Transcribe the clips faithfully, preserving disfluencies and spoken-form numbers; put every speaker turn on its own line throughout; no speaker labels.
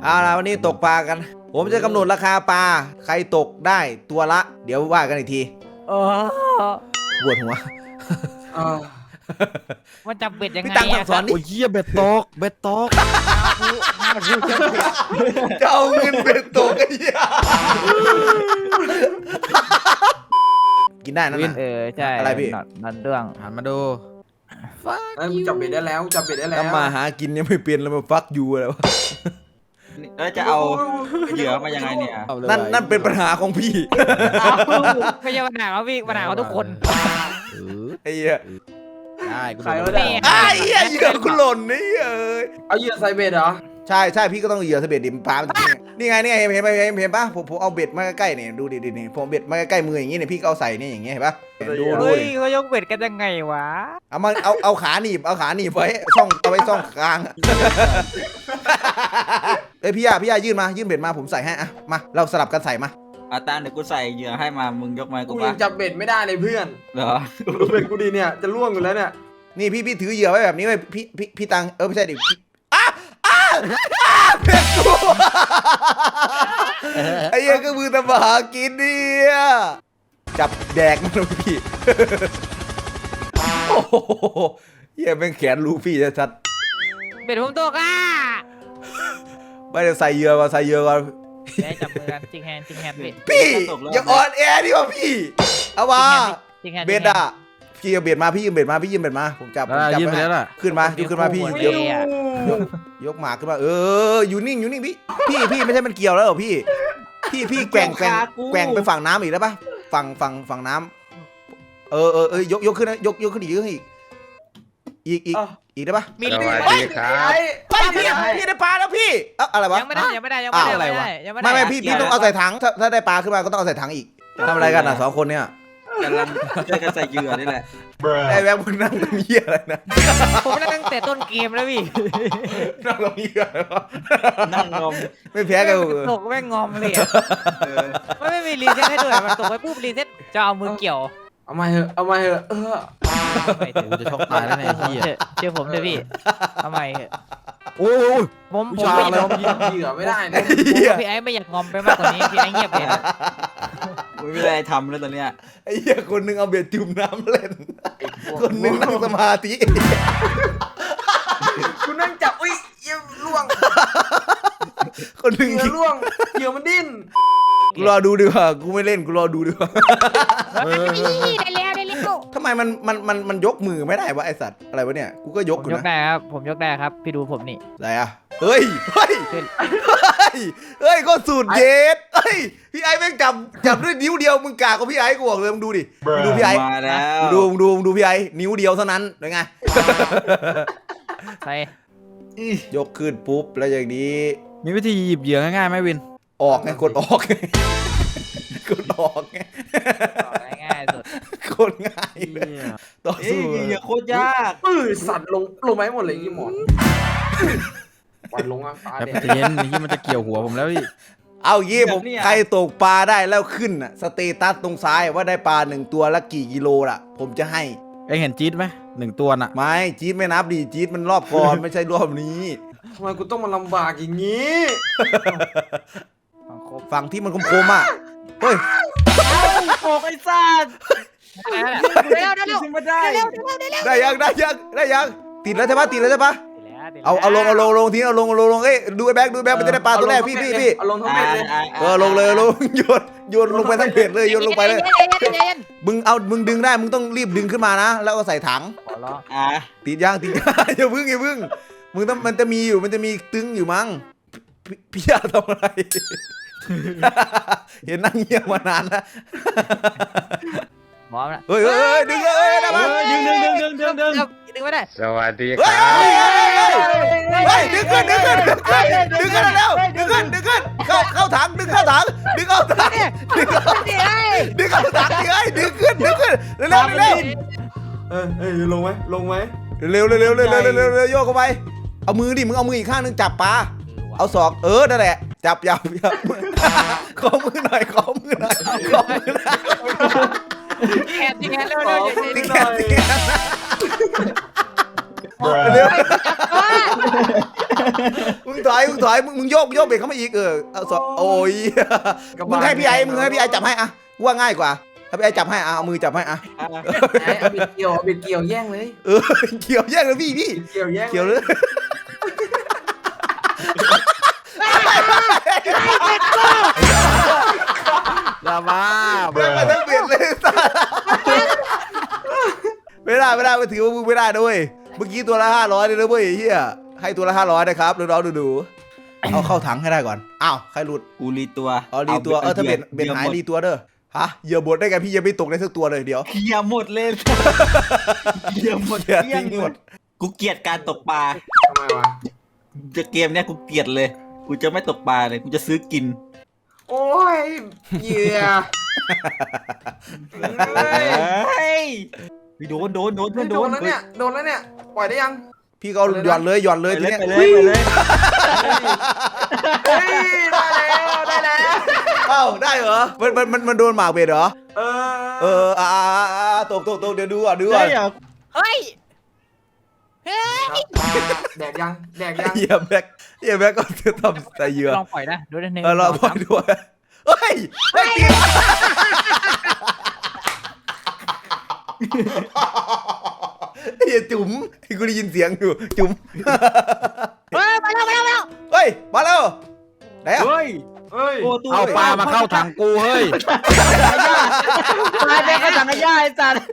เอาล่ะวันนี้ตกปลากันผมจะกำหนดราคาปลาใครตกได้ตัวละเดี๋ยวว่ากันอีกที
โอ้
ปวดหัว
มันจับเบ็ดยังไง
พี่ตังค์สั่งสอนดิ
โอ้ยเหี้ยเบ็ดตกเบ็ดตก
จะเอาเงินเป็นตกไอ้เหี้ยกินได้นั่นน่ะ
เออใช่
อะไรพี่
นนันเรื่อง
หันมาดู
เอ้ยจับเบ็ดได้แล้วจับเบ็ดได้แล้ว
ทำมาหากินยังไม่เปลี่ยนแล้วมาฟักยูอะไรวะ
แล้วจะเอาเหยื่อมายังไงเนี่ย
เอาเลย
นั่นนั่นเป็นปัญหาของพี่
ไม่ใช่ปัญหาเขาพี่ปัญหาเขาทุกคน
เออ
ไอ้เหี้ย
ได้กู
ใคร
โด
วะ
น
เนี่ย
ไอ้เหี้ยเหยื่อคุณหล่นนี่เอ้ย
เอาเหยื่อใส่เบ็ดเหรอ
ใช่ใช่พี่ก็ต้องเหยื่อเสเบ็ดดิมปลามันจะกินนี่ไงนี่ไงเห็นเห็นเห็นเห็นปะผมผมเอาเบ็ดมาใกล้ๆเนี่ยดูดิดินี่ผมเบ็ดมาใกล้ๆมืออย่างงี้เนี่ยพี่ก็เอาใส่เนี่ยอย่างเงี้ยเห็นปะดูดู
เฮ้ย
ดิ
เขายกเบ็ดกันยังไงวะ
เอามาเอาเอาขาหนีบเอาขาหนีบไว้ช่องเอาไว้ช่องกลางอะเอ้ยพี่ยาพี่ยายื่นมายื่นเบ็ดมาผมใส่ให้อะมาเราสลับกันใส่มา
อาตาเดี๋ยวกูใส่เหยื่อให้มามึงยกมาให้
กู
กู
ยั
ปะ
งจับเบ็ดไม่ได้เลยเพื่อน
เหรอ
ดูเบ็ดกูดีเนี่ยจะล่วงอยู่แล้วเนี่ย
นี่พี่พี่ถือเหยื่อไว้แบบนี้ไว้พี่พี่พี่ตังเออไม่ใช่ดิพี่อ้าอ้าอ้าเบ็ดกูไอ้เหี้ยก็มือตะบหากินเนี่ยจับแดกมันเลยพี่โอ้โหเหี้ยแม่งแขนลูฟี่ชัด
เบ็ดผมตกอ่ะ
ๆไม่ได้ใส่เหยื่อก่อนใส่เหยื่อก่อน
ได้จับมือกันจิงแฮนจิงแฮนพี่
พี่อย่าอ่อนแอดิวะพี่เอามา
จิงแฮน
เบ็ดอะพี่เอาเบ็ดมาพี่ยืมเบ็ดมาพี่ยืมเบ็ดมาผมจับผม
ได้
จับ
ยื่นไป
ว้
แล้วล่ะ
ขึ้นมาขึ้นมาพี่
โอ้
เดี๋ยว
ย
ยกยกหมากขึ้นมาเอออยู่นิ่งอยู่นิ่งพี่พี่พี่ไม่ใช่มันเกี่ยวแล้วเหรอพี่พี่พี่แกว่งแกว่งแกว่งไปฝั่งน้ำอีกได้ปะฝั่งฝั่งฝั่งน้ำเออเออเออยกยกขึ้นนะยกยกขึ้นอีกยกขึ้นอีกอีกอีกอีกได้ปะ
มี
สวัสดีครับ
ไอ้
ไปพี่พี่ได้ปลาแล้วพี่เอ้าอะไรวะ
ยังไม่ได้ยังไม่ได้ยังไม่ได้
อ้าว
อะไรวะยังไม่ได้
ไม่ไม่พี่พี่ต้องเอาใส่ถังถ้าถ้าได้ปลาขึ้นมาก็ต้องเอาใส่ถังอีกทำอะไรกันอ่ะสองคนเนี่ย
กำลังช่วยกันใส่เหยื่อนี่แหละ
ไอ้แบงค์มึงนั่งตรงนี้อะไรนะ
ผมนั่งตั้งแต่ต้นเกมแล้วพี่
นั่งตรงนี้อะไรวะ
นั่งงม
ไม่แพ้กัน
ตกแม่งงอมเลยอะ
เออ
ไม่ไม่มีรีเซ็ตให้ด้วยมันตกไปปุ๊บรีเซ็ตจะเอามือเกี่ยว
เอามาเถอะเอามาเถอะเออ
ไม่ถึง
กูจะช็อกตายแล้วเนี่ยไอ้เหี้ย
เชื่อผมเลยพี่ทำไมเถอะ
โอ้ย
ผมผ
ผู้
ม
ชาย
ไม่
อะไร
ยอม
วะ
ยิงเหยื่อไม่ได้นะ
พี่ไอ้ไม่อยากงอมไปมากกว่านี้พี่ไอ้เงียบเลยนะ
กูไม่ได้ทำแล้วตอนเนี้ย
ไอ้เหี้ยคนหนึงเอาเบ็ดจุ่มน้ำเล่น คนหนึงนั่งสมาธิ
กูนั่งจับอุ้ยเหยื่อล่วง
คนหนึง
เหยื่อล่วงเหยื่อมันดิ้น
กูรอดูดีกว่ากูไม่เล่นกูรอดูดีกว่า
เออ
ได้แล้วได้แล้ว
ทำไมมันมันมันมันยกมือไม่ได้วะไอสัตว์อะไรวะเนี่ยกูก็ยก
ผม
อยู่
ยก
นะ
ได้ครับผมยกได้ครับพี่ดูผมนี่
อะไรอ่ะเฮ้ยเฮ้ย
ขึ้น
เฮ้ยเฮ้ยก็สูตรเย็ดเฮ้ยพี่ไอ้แม่งจับจับด้วยนิ้วเดียวมึงกากกว่าพี่ไอ้กูบอกเลยมึงดูดิมึงดูพี่ไอ้
มาแล้ว
มึงดูมึงดูมึงดูพี่ไอ้นิ้วเดียวเท่านั้นเป็นไง
ใส่
ยกขึ้นปุ๊บแล้วอย่างนี้
มีวิธีหยิบเหยื่อง่ายๆไหมวิน
ออกไงกดออกไงกดออกไง
ง่ายๆสุด
กดง่ายเลยต่อ
เอ้
สู้
ยเหยื่อโคตรยาก
เออสัตว์ลงลงไหมหมดเลยยี่หมอนปล่อยลงอ่ะปลา
แป๊บ
เนี่ย
เย็นนี่มันจะเกี่ยวหัวผมแล้วพี่
เอายี่ผมใครตกปลาได้แล้วขึ้นอ่ะสเตตัสตรงซ้ายว่าได้ปลาหนึ่งตัวละกี่กิโลล่ะ ผมจะให้
เอ็งเห็นจี๊ดไหมหนึ่งตัวน่ะ
ไม่จี๊ดไม่นับดิจี๊ดมันรอบก่อน ไม่ใช่รอบนี้
ทำไมกูต้องมาลำบากอย่างนี้
ฟังครบ
ฝั่งที่มันคมๆอ่ะเฮ้ย
โอ้ไอ้สัตว์
เร็วเร็วเร็ว
ขึ้นมาได้
เร็วเร็วเร็วเร็ว
ได้ยังได้ยังได้ยังติดแล้วใช่ปะติดแล้วใช่ปะ
เร็ว
เอาเอาลงเอาลงลงทีเอาลงเอาลงลงเอ้ยดูไอ้แบ็คดูไอ้แบ็คมันจะได้ปลาตัวแรกพี่พี่พี่
เอาลงทั้งเบ็ดเลย
เออลงเลยลงโยนโยนลงไปทั้งเพจเลยโยนลงไปเลย มึงเอามึงดึงได้มึงต้องรีบดึงขึ้นมานะ แล้วก็ใส่ถัง
ขอร้อง
อ่ะ
ติดยางติดยาง อย่าพึ่งอย่าพึ่งมึงต้องมันจะมีอยู่มันจะมีตึงอยู่มั้งพี่พี่ยาทำอะไร เห็นนั่งเงียบมานานแล้ว
หมอนะ
เฮ้ยเฮ้ยเฮ้ยดึงเลยเฮ้ยได้ปะ
ดึงดึงดึงดึงดึงดึง
ดึงไม่ได้
สวัสดีค
เฮ้ย
รับ
เฮ้ยเฮ้ยดึงขึ้นดึงขึ้นดึงขึ้นดึงขึ้นแล้วดึงขึ้นดึงขึ้นเข้าเข้าถังดึงเข้าถังดึงเข้าถังดึงเข้าดึงเข้าถังดิเฮ้ยดึงขึ้นดึงขึ้นเร็วเร็วเร็ว
เออเอ้ยลงไหมลงไหม
เร็วเร็วเร็วเร็วเร็วเร็วเร็วเร็วโยกเข้าไปเอามือดิมึงเอามืออีกข้างนึงจับปลาเอาศอกเออนั่นแหละจับจับจับขอมือหน่อยขอมือหน่อยขอมือหน่อย
แขนที่แขนเร็วเร็ว
ติ๊กแขนติ๊กแขนเร็วมึงถถอยมึงถอยมึงมึงโยกโยกเบรกเข้ามาอีกเออเอาสโอ้ยมึงให้พี่ไอ้มึงให้พี่ไอ้จับให้อะว่าง่ายกว่าถ้าพี่ไอ้จับให้อะเอามือจับให้อะ
อ่ะ
ไอ้เอาบิดเกี่ยวเอาบิดเกี่ยวแย่งเลย
เออเกี่ยวแย่งเลยพี่พี่
บิดเกี่ยวแย่ง
เกี่ยวเลย
ลาบ้า
เดินมาทั้งเบียดเลยไม่ได้ไม่ได้ไม่ถือว่ามึงไม่ได้ด้วยเมื่อกี้ตัวละห้าร้อยเลยนะเว้ยเฮียให้ตัวละห้าร้อยนะครับน้องๆดูๆเอาเข้าถังให้ได้ก่อนอ้าวใครหลุด
กูรีตัว
อ๋อรีตัวเออถ้าเบ็ดเบ็ดหายรีตัวเด้อฮะเหยื่อบดได้ไงพี่ยังไม่ตกได้สักตัวเลยเดี๋ยว
เคลียร์หมดเลยเคลียร์หมด
เดี๋ยว
เกลี้ย
ทิ้
ง
งหมด
กูเกลียดการตกปลา
ทำไมวะ
จะเกมเนี้ยกูเกลียดเลย กูจะไม่ตกปลาเลย กูจะซื้อกิน
โอ้ยเหยื่อเฮ้ย
เฮ้ยโดนโดนโดนโดน
โด
โด
น
น
แล้วเนี่ยโดนแล้วเนี่ยปล่อยได้ยัง
พี่ก็หย่อนเลยหย่อนเล
ไป
ยที
เลย
เนี้ย
ไปเลยไปเลย
เฮ้ยได้แล้วได้แล้ว
เอ้าได้เหรอมันมันมันมันโดนหมากเบ็ดเหรอ
เออ
เอออ่าอ่าอ่าตกตกตกเดี๋ยวดูอ่ะดูอ่ะ
ได้เหรอ
เฮ้ยเฮ้ย
แดกยังแดกยัง
เฮียแบ็คเฮียแบ็คก็จะทำใส่เหยื่อ
ลองปล่อยนะดูนิดนึง
เออเราพอดูเฮ้ยเฮ้ยตีเฮียจุ๋มกูได้ยินเสียงอยู่จุ๋ม
เฮ้ยมาแล้วมาแล้วมาแล้ว
เฮ้ยมาแล้วไหนอ่ะ
เฮ้ย
เฮ้ย
โอ้ตัว
เอาปลามาเข้าถังกูเฮ้ย
ปลาเป็นกระสังกระย่าไอ้สัตว์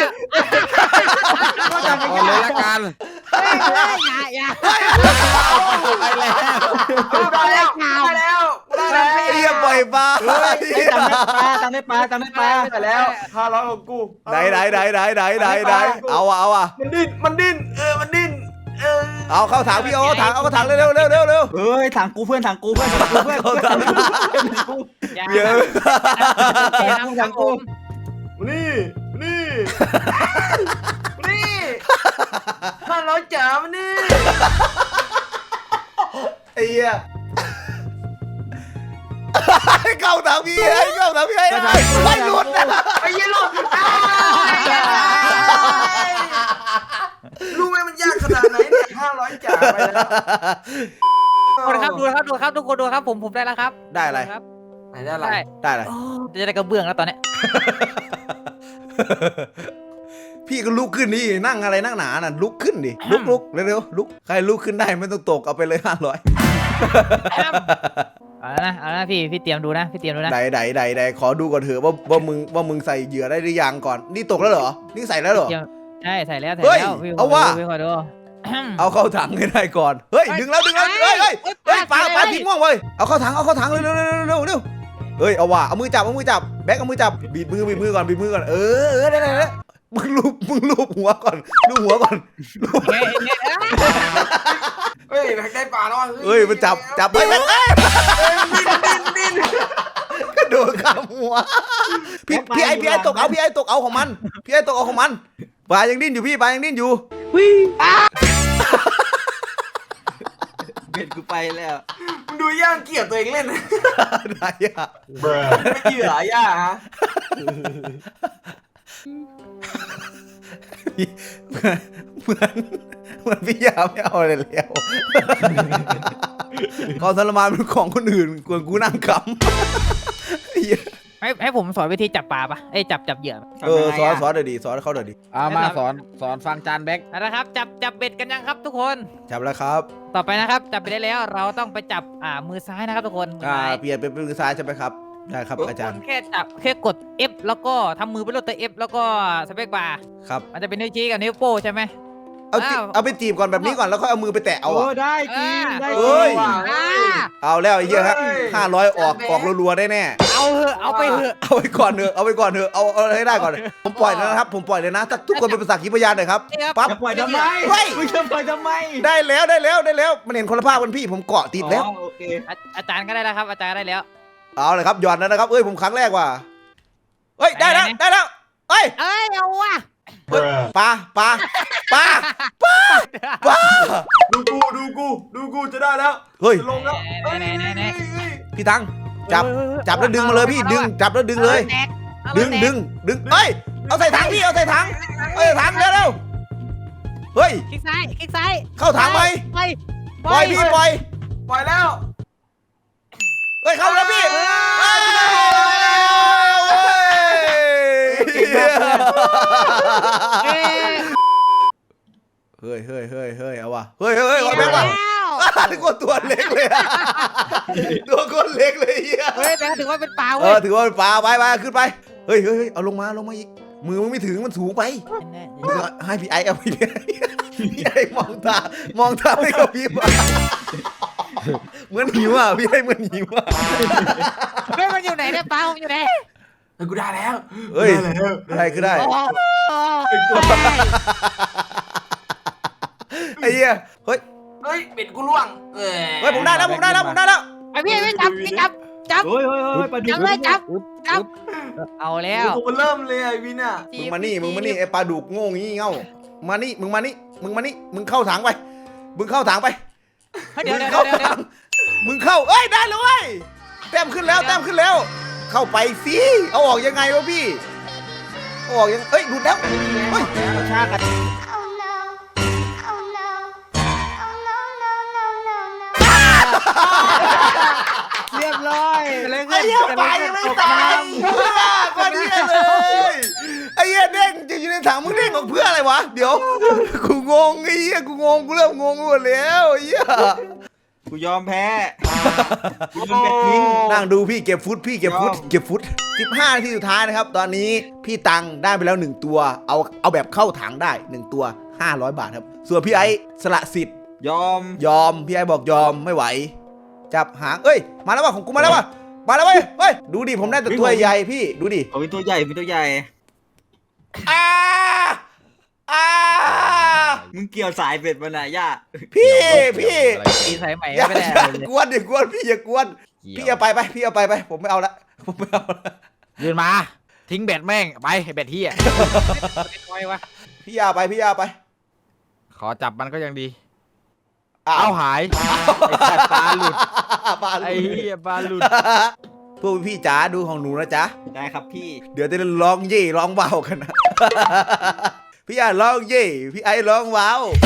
เอาปลา
เอาเลยละกัน
เฮ้ยเฮ้ยอย่าอย่า
ไปแล้ว
ได้แล้วได้แล้วได้แล้ว
เฮียปล่อยปลา
ไอ้ตังได้ปลาตังได้ปลาตังได้ปลา
ได้แล้วห้าร้อยของกู
ไหนไหนไหนไหนไหนไหนไหนเอาอ่ะเอาอ่ะ
มันดิ้นมันดิ้นเออมันดิ้นเออ
เอาเข้าถังพี่เอาถังเอาเข้าถังเร็วเร็วเร็วเร็วเร็ว
เฮ้ยถังกูเพื่อนถังกูเพื่อนถังกูเพื่อน
เข้าถัง
อย่า
เยอะ
อย่าทำผม
นี่นี่นี่ห้าร้อยจ๋ามันนี่
ไอ้เหี้ยเข้าถังพี่ให้เข้าถังพี่ให้ไม่หลุดนะ
ไอ้ยี่หลุดรู้ไหมมันยากขนาดไหนเนี่ยห้าร้อยจ๋าไปแล้ว
ดูนะครับดูนะครับดูครับทุกคนดูครับผมผมได้แล้วครับ
ได้อะไร
ครับ
ไหนได้อะไร
ได้
ได้อะไร
โอ้จะได้กระเบื้องแล้วตอนเนี้ย
พี่ก็ลุกขึ้นนี่นั่งอะไรนั่งหนาน่ะลุกขึ้นดิลุกลุกเร็วๆลุกใครลุกขึ้นได้ไม่ต้องตกเอาไปเลยห้าร้อย
เอาละนะเอาละนะพี่พี่เตรียมดูนะพี่เตรียมดูนะ
ไหนไหนไหนไหนขอดูก่อนเถอะว่าว่ามึงว่ามึงใส่เหยื่อได้หรือยังก่อนนี่ตกแล้วเหรอนี่ใส่แล้วเหรอ
เตรียมใช่ใส่แล้วใส่
เฮ้ย
แล้วพี่
เอาว่ะ
พี่ขอดู
เอาเข้าถังให้ได้ก่อนเฮ้ยดึงแล้วดึงแล้วเฮ้ยเฮ้ยเฮ้ยปลาปลาทิ้งม่วงเว้ยเอาเข้าถังเอาเข้าถังเร็วเร็วเร็วเร็วเร็วเฮ้ยเอาว่ะเอามือจับเอามือจับแบ็คเอามือจับบีบมือบีบมือก่อนบีบมือก่อนเออเออได้ได้ได้มึงลูบมึงลูบหัวก่อนลูบหัวก่อน
เฮ้ยเฮ้ยเฮ้ย
เฮ้ยแบกได้ปลาแล้ว
เฮ้ยมันจับจับไปแบ็คเอ้ย
ดิ้นดิ้น
กระโดดข้ามหัวพี่พี่ไอพี่ไอตกเอาพี่ไอตกเอาของมันพี่ไอตกเอาของมันปลายังดิ้นอยู่พี่ปลายังดิ้นอยู่
เบ็ดกูไปแล้ว
มึงดูย่างเกลียดตัวเองเล่น
ได้อะ
ไม่เหยื่อย่าฮะ
เหมือนเหมือนพี่ยาไม่เอาอะไรแล้วความทรมานเป็นของคนอื่นกวนกูนั่งขำเหี้ย
ให้ให้ผมสอนวิธีจับปลาปะเอ้ยจับจับเหยื่อ
เออสอนสอนเดี๋ยวดีสอนเขาเดี๋ยวดี
เอามาสอนสอนฟังจานแบ็ค
เอาละครับจับจับเบ็ดกันยังครับทุกคน
จับแล้วครับ
ต่อไปนะครับจับไปได้แล้วเราต้องไปจับอ่ามือซ้ายนะครับทุกคนมือ
อ่า
ซ้าย
เปลี่ยนเป็นมือซ้ายใช่ไหมครับได้ครับอาจารย์
แค่จับแค่กด F แล้วก็ทำมือเป็นรูปตัว F แล้วก็สเปคบาร์
ครับ
มันจะเป็นนิ้วชี้กับนิ้วโป้ใช่ไหม
เอาจี
อ้าว
เอาไปจีบก่อนแบบนี้ก่อนแล้วค่อยเอามือไปแตะเอา
โอ้
อะ
ได้จริงได้
เอ้
จริ
ย
ง
อ่า
เอาแล้วไอ้เหี้ยฮะห้าร้อยออกออกรัวๆได้แน่
เอาเหอะเอาไปเหอะ
เอาไปก่อนเถอะเอาไปก่อนเถอะเอาเอาให้ได้ก่อนผมปล่อยแล้วนะครับผมปล่อยเลยนะถ้าทุกคนเป็นภาษาขีพยานหน่อยครับปั๊บ
จะปล่อยทำไม
เฮ้ย
มึงจะปล่อยทำไม
ได้แล้วได้แล้วได้แล้วมันเห็นคนละภาพกันพี่ผมเกาะติดแล้ว
อ๋อโอเค
อาอาจารย์ก็ได้แล้วครับอาจารย์ก็ได้แล้ว
เอาเลยครับหย่อนแล้วนะครับเอ้ยผมครั้งแรกว่ะเฮ้ยได้แล้ว
ไหนๆ
ได้แล้วเอ้ย
เอ้ยเอาว่ะ
ปลาปลาปลาปลาปลา
ดูกูดูกูดูกูจะได้แล้ว
เฮ้ย
จะลงแล้วเฮ้ยเฮ้ยเฮ้ย
พี่ตังจับ
เฮ้ยเฮ้ย
จับแล้วดึงมาเลยพี่ดึงจับแล้วดึงเลย
อาแตกเอา
ดึง
แตก
ดึงดึงเอ้ยเอาใส่ถังพี่เอาใส่ถังเอาใส่ถังเร็วเร็วเฮ้ย
คลิกซ้ายคลิกซ้าย
เข้าถังไหม
ไป
ปล่อยพี่ปล่อย
ปล่อยแล้ว
เฮ้ยเข้าแล้วพี่เฮ้ยเฮ้ยเฮ้ยเฮ้ยเอาวะเฮ้ยเฮ้ยเอาแบงค์ว่ะกดตัวเล็กเลยตัวคนเล็กเลยเฮีย
เฮ้ยแต่ถือว่าเป็นปลา
เอ
เว้ย
อถือว่าเป็นปลาไปไปขึ้นไปเฮ้ยเฮ้ยเอาลงมาลงมาอีกมือมึงไม่ถึงมันสูงไปให้พี่ไอเอาพี่ไอพี่ไอมองตามองตาไม่กับพี่เหมือนหิวอ่ะพี่ไอเหมือนหิวอ่ะ
เฮ้ยมันอยู่ไหนเนี่ยปลามันอยู่ไหน
เฮ้ยกูได้แล้ว
เฮ้ยได้คือได้
โอ้โห
ไอ้เหี้ยเฮ้ย
เฮ้ยเป็ดกูล่วงเออ
เฮ้ยผมได้แล้วผมได้แล้วผมได้แล้ว
ไอพี่พี่จับพี่จับจับ
เฮ้ยเฮ้ยเฮ้ยปลาดุ
จั
ก
บเลยจับจับเอาแล้ว
กูเริ่มเลยไอ้วินอ่ะ
มึงมานี่มึงมานี่ไอ้ปลาดุกโง่งี้เง่ามานี่มึงมานี่มึงมานี่มึงเข้าถังไปมึงเข้าถังไป
เดี๋ยว
มึ
เดี๋
ง
ยว
เข้า
เดี๋ยว
ถังมึงเข้าเอ้ยได้แล้วเว้ยแต้มขึ้นแล้วแต้มขึ้นแล้ว เข้าไปสิเอาออกยังไงวะพี่เอาออกยังเอ้ยดูดแล้วเฮ้ยชากัน
Oh no. Oh no. Oh no, no, no, no, no.
เรียบร้อย
ไอ้เหี้ยปลายังไม่ตายก็เหี้ยเลยไอ้เหี้ยเด้งจะอยู่ในถังมึงเด้งออกเพื่ออะไรวะเดี๋ยวกูงงไอ้เหี้ยกูงงกูเริ่มงงหมดแล้วไอ้เหี้ย
กูยอมแพ้กูยอมแพ้ทิ้ง
นั่งดูพี่เก็บฟุตพี่เก็บฟุตเก็บฟุตสิบห้านาทีสุดท้ายนะครับตอนนี้พี่ตังได้ไปแล้วหนึ่งตัวเอาเอาแบบเข้าถังได้หนึ่งตัวห้าร้อยบาทครับส่วนพี่ไอ้สละสิทธิ์
ยอม
ยอมพี่ไอ้บอกยอมไม่ไหวจับหางเอ้ยมาแล้วว่ะของกูมาแล้วว่ะมาแล้วเว้ยเฮ้ยดูดิผมได้แต่ตัวใหญ่พี่ดูดิ
เอาเป็นตัวใหญ่เป็นตัวใหญ่
อ้าอ้า
มึงเกี่ยวสายเป็ดมันน่ะย่า
พี่พี่
ตีสายใหม่
อย่า
ไม่ได้
อย่า
เลย
กวนดิกวนพี่อย่ากวนพี่เอาไปไปพี่เอาไปไปผมไม่เอาละผมไม่เอาละ
ยืนมา ทิ้งเบ็ดแม่งไปเบ็ดที่อ่ะ
เป็นไงวะ
พี่เอาไปพี่เอาไป
ขอจับมันก็ยังดี
อ้า
เอา
ว
หายไอ้สัตว์ปลาหลุด
ปลาหลุด
ไอ้เหี้ยปลาหลุด
พวกพี่จ๋าดูของหนูนะจ๊ะ
ได้ครับพี่
เดี๋ยวจะร้องเย่ร้องว้าวกันนะ พี่อ่ะร้องเย่พี่ไอ้ร้องว้าว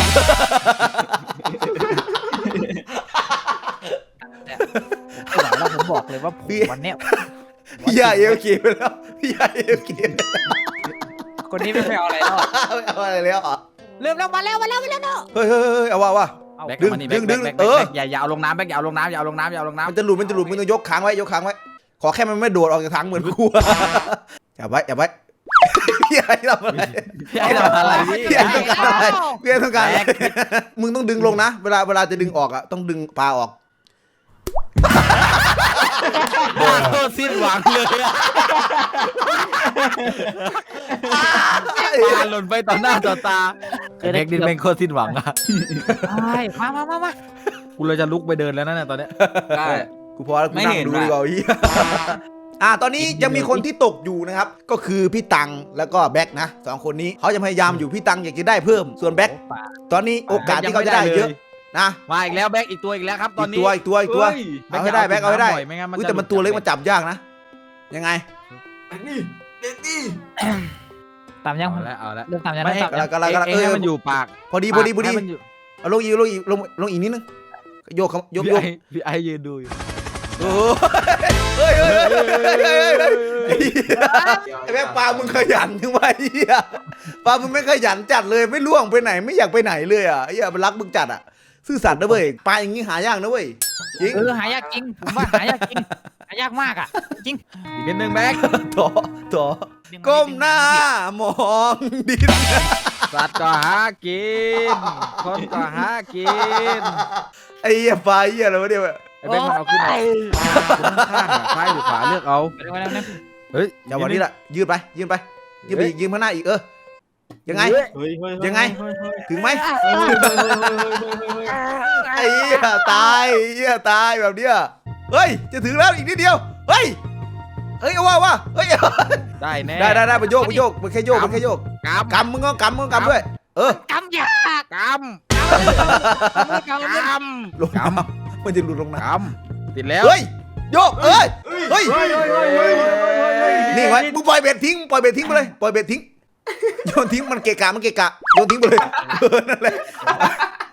ไม่ไหวแล้วผมบอกเลยว่าผมวันเนี้ย
พี่อ่ะเอลเคไปแล้วพี่อ่ะเอลเค
คนนี้ไม่ไปเอาอะไรแล้ว
ไม่เอาอะไรแล้วอ่ะ
เริ่มแล้วมาแล้วมาแล้วมาแล้วเนาะ
เฮ้ยเฮ้ยเฮ้ยเอาว่าว่า
แบก
ดึง
มานี่
ดึง
แบก
ดึง
แบก
เออ
แบกอย่าอย่าเอาลงน้ำแบกอย่าเอาลงน้ำอย่าเอาลงน้ำอย่าเอาลงน้ำ
มันจะหลุดมันจะหลุดมึงต้องยกค้างไว้ยกค้างไว้ขอแค่มันไม่โดดออกจากถังเหมือนกูอย่าไว้อย่าไว้พี่ไอ้ทำอะไร
พี่ไอ้ทำอะไรพี่
พี่ไอ้ต้องการอะไรพี่ไอ้ต้องการอะไรมึงต้องดึงลงนะเวลาเวลาจะดึงออกอ่ะต้องดึงปลาออก
โคตรสิ้นหวังเลยอะปลาหล่นไปต่อหน้าต่อตาเด็กดินเป็นโคตรสิ้นหวังอะ
ใช่มามามามา
กูเลยจะลุกไปเดินแล้วนะเนี่ยตอนเนี้ย
ได้
กูพอแล้วกูนั่งดูดีกว่าเฮียอ่าตอนนี้ยังมีคนที่ตกอยู่นะครับก็คือพี่ตังแล้วก็แบ็คนะสองคนนี้เขาจะพยายามอยู่พี่ตังอยากจะได้เพิ่มส่วนแบ็คตอนนี้โอกาสที่เขาจะได้เยอะนะ
มาอีกแล้วแบกอีกตัวอีกแล้วครับตอน
อีก
นี้
ตัวอีกตัวอีกตัว
เฮ้ย
เอาให้ได้แบ็คเอาให้ได้
ไม่งั้นมัน
อุ้ย
จะ
แต่มันตัวเล็กมันจับยากนะยังไง
เด็กนี่เด็กนี่
ตามยัง
เอาแล้วเอาแล้ว
เริ่มตามยัง
ไม่
เริ่ม
ให้
ตาม
กำลั
ยัง
งกำลังกำลัง
เอ้ยให้มันอยู่ปาก
พอดีพอดีพอดี
ให้มันยู่
เอาลงอีกลงอีกลงลงอีกนิดนึงโยกครับโยก
พี่
โยก
ไอ้พี่ไอ้ยืนดูอยู่
โอ้เฮ้ยเฮ้ยเฮ้ยเฮ้ยเฮ้ยไอ้แบ็คปลามึงขยันจังวะเฮียปลามึงไม่ขยันจัดเลยไม่ล่วงไปไหนไม่อยากไปไหนเลยอ่ะเฮียมันรักมึงจัดอ่ะซื่อสัตย์นะเว้ยปลาอย่างงี้หายากนะเว้ยจริง
เออหายากจริงผมว่าหายากจริงหายากมากอ่ะจริง
อีกนิดนึงแบก
ถอถอก้มหน้ามองดิน
สัตว์ก็หากินคนก็หากิน
ไอ้เหี้ยปลาเหี้ยอะไรวะเนี่ย
ไอ้แบกมันเอาขึ้นมาข้างๆอะซ้ายหรือขวาเลือกเอา
เดี๋ยวนะ
เฮ้ย
อย่าวันนี้ละยืดไปยืดไปยืดไปอีกยืดข้างหน้าอีกเออยังไง
เฮ้ยเฮ้ย
ยังไง
เฮ้ยเฮ้ย
ถึงไหม
เฮ้ยเฮ้ยเฮ้ยเฮ้ยเฮ้ย
ไอ้เหี้ยตายไอ้เหี้ยตายแบบเนี้ยเฮ้ยจะถึงแล้วอีกนิดเดียวเฮ้ยเฮ้ยเอาว่าว่าเฮ้ย
ได้แน่
ได้ได้ได้ไปโยกไปโยกมันแค่โยกมันแค่โยก
กำ
กำมึงก็กำมึงก็กำด้วย เออก
ำยาก
ก
กำ
ำกำ
ลงน้ำมันจะหลุดลงน้
กำติดแล้ว
ำเฮ้ยโยกเอ้ย เฮ้ย
เฮ้ยเฮ้ยเฮ้ยเฮ้ยเฮ้ย
นี่ไว้มึงปล่อยเบ็ดทิ้งปล่อยเบ็ดทิ้งไปเลยปล่อยเบ็ดทิ้งโยนทิ้งมันเกะกะมันเกะกะโยนทิ้งไปเลยเออนั่นแหละ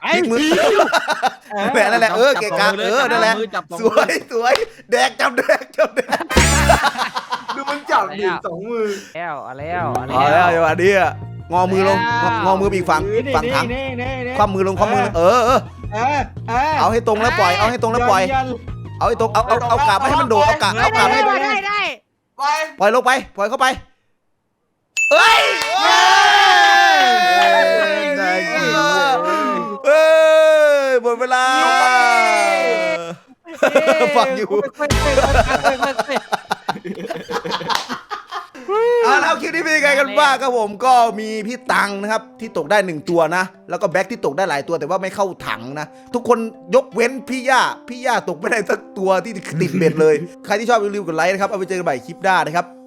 ไอ้
พลิกมือแหละนั่นแหละเออเกะกะเออนั่นแหละ
จับสอง
ส
มือ
วยสวยแดกจับแดกจับแดก
ดูมันจับดิสองมือ
แล้วเอาแล้วเอา
เอาแล้วจังหวะนี้อะงอมือลงงองอมือไปอีกฝั่งฝั่งถัง
นี่นี่นี่
คว่ำมือลงคว่ำมือลงเออเออ
เออเออ
เอาให้ตรงแล้วปล่อยเอาให้ตรงแล้วปล่อย
ยัน
เอาให้ตรงเอาเอาเอากาบไม่ให้มันโดดเอากาบเอากาบ
ได้
ให้
ได้ได้ได้
ไป
ปล่อยลงไปปล่อยเข้าไปเอ้ยเอ้ยหมดเวลาฟังอยู่ เอาแล้วคลิปนี้เป็นยังไงกันบ้างครับผมก็มีพี่ตังนะครับที่ตกได้หนึ่งตัวนะแล้วก็แบ็คที่ตกได้หลายตัวแต่ว่าไม่เข้าถังนะทุกคนยกเว้นพี่ย่าพี่ย่าตกไม่ได้สักตัวที่ติดเบ็ดเลยใครที่ชอบรีวิวกดไลค์นะครับเอาไปเจอกันใหม่คลิปหน้านะครับ